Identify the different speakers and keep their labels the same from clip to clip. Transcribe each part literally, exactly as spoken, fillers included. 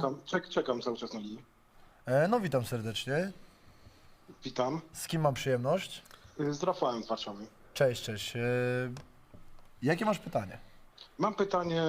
Speaker 1: Czekam, czek, czekam cały czas na linii.
Speaker 2: E, no witam serdecznie.
Speaker 1: Witam.
Speaker 2: Z kim mam przyjemność?
Speaker 1: Y, Z Rafałem z Warszawy.
Speaker 2: Cześć, cześć. E, jakie masz pytanie?
Speaker 1: Mam pytanie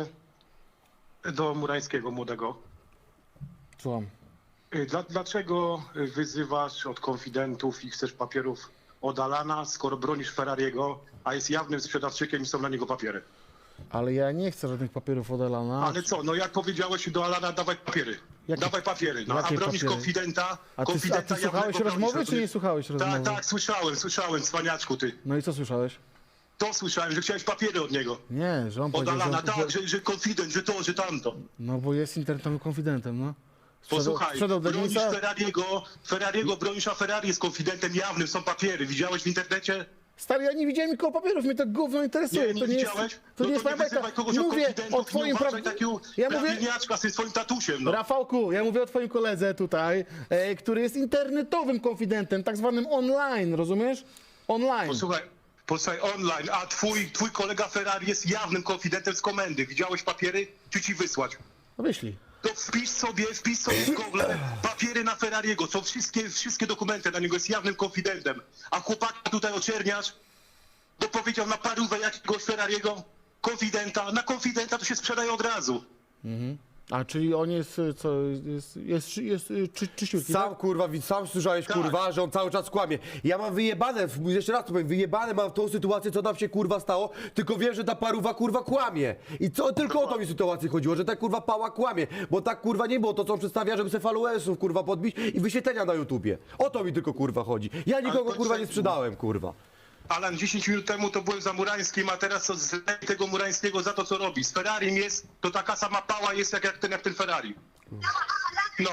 Speaker 1: do Murańskiego młodego.
Speaker 3: Słucham.
Speaker 1: Y, Dla, dlaczego wyzywasz od konfidentów i chcesz papierów od Alana, skoro bronisz Ferrariego, a jest jawnym sprzedawczykiem i są na niego papiery?
Speaker 3: Ale ja nie chcę żadnych papierów od Elana.
Speaker 1: Ale co, no jak powiedziałeś do Alana, dawaj papiery.
Speaker 3: Jakie-
Speaker 1: dawaj papiery, no a
Speaker 3: jakie
Speaker 1: bronisz
Speaker 3: papiery?
Speaker 1: konfidenta,
Speaker 3: A ty, a
Speaker 1: konfidenta
Speaker 3: ty słuchałeś
Speaker 1: jawnego
Speaker 3: rozmowy,
Speaker 1: bronisz,
Speaker 3: czy nie
Speaker 1: rozumiesz?
Speaker 3: słuchałeś rozmowy?
Speaker 1: Tak, tak, słyszałem, słyszałem, cwaniaczku ty.
Speaker 3: No i co słyszałeś?
Speaker 1: To słyszałem, że chciałeś papiery od niego.
Speaker 3: Nie, że on
Speaker 1: Od
Speaker 3: powiedział,
Speaker 1: Alana,
Speaker 3: że,
Speaker 1: tak,
Speaker 3: że...
Speaker 1: że, że konfident, że to, że tamto.
Speaker 3: No bo jest internetowym konfidentem, no. Sprzedał,
Speaker 1: Posłuchaj,
Speaker 3: sprzedał
Speaker 1: bronisz
Speaker 3: Denisa.
Speaker 1: Ferrariego, Ferrariego bronisz, a Ferrari jest konfidentem jawnym, są papiery. Widziałeś w internecie?
Speaker 3: Stary, ja nie widziałem nikogo papierów, mnie to gówno interesuje.
Speaker 1: Nie, nie
Speaker 3: to nie
Speaker 1: widziałeś?
Speaker 3: jest, to
Speaker 1: no
Speaker 3: nie jest
Speaker 1: to nie
Speaker 3: moja
Speaker 1: wyzywaj
Speaker 3: bajka.
Speaker 1: kogoś od
Speaker 3: Mówię
Speaker 1: konfidentów
Speaker 3: o twoim
Speaker 1: i nie uważaj
Speaker 3: pra...
Speaker 1: takiego
Speaker 3: Ja mówię,
Speaker 1: prawilniaczka z tym swoim tatusiem, no.
Speaker 3: Rafałku, ja mówię o twoim koledze tutaj, e, który jest internetowym konfidentem, tak zwanym online, rozumiesz? Online.
Speaker 1: Posłuchaj, posłuchaj, online, a twój, twój kolega Ferrari jest jawnym konfidentem z komendy. Widziałeś papiery? Czy ci wysłać?
Speaker 3: No wyślij.
Speaker 1: To wpisz sobie, wpisz sobie w Google papiery na Ferrariego, są wszystkie, wszystkie dokumenty na niego, jest jawnym konfidentem. A chłopaka tutaj oczerniasz, bo powiedział na parówę jakiegoś Ferrariego, konfidenta, na konfidenta to się sprzedaje od razu.
Speaker 3: A czyli on jest, e, co, jest, jest, jest, jest czy, czyściutki,
Speaker 4: Sam
Speaker 3: tak?
Speaker 4: kurwa, wi- sam słyszałeś
Speaker 1: Tak.
Speaker 4: kurwa, że on cały czas kłamie. Ja mam wyjebane, w- jeszcze raz to powiem, wyjebane mam w tą sytuację, co nam się kurwa stało, tylko wiem, że ta paruwa kurwa kłamie. I co, tylko o to mi sytuację chodziło, że ta kurwa pała kłamie, bo tak kurwa nie było to, co on przedstawia, żeby se followersów kurwa podbić i wyświetlenia na YouTubie. O to mi tylko kurwa chodzi. Ja nikogo
Speaker 1: to
Speaker 4: kurwa
Speaker 1: co-
Speaker 4: nie sprzedałem kurwa.
Speaker 1: Alan, dziesięć minut temu to byłem za Murańskim, a teraz to z tego Murańskiego za to, co robi. Z Ferrarim jest, to taka sama pała jest jak, jak, ten, jak ten Ferrari. No,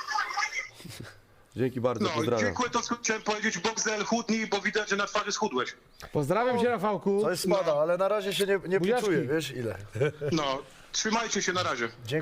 Speaker 4: Dzięki bardzo,
Speaker 1: no,
Speaker 4: pozdrawiam.
Speaker 1: dziękuję, to co chciałem powiedzieć. Boxel, chudnij, bo widać, że na twarzy schudłeś.
Speaker 3: Pozdrawiam cię, Rafałku.
Speaker 2: Coś spada, ale na razie się nie, nie
Speaker 3: Buziaczki.
Speaker 2: poczuję, wiesz ile.
Speaker 1: No, trzymajcie się, na razie.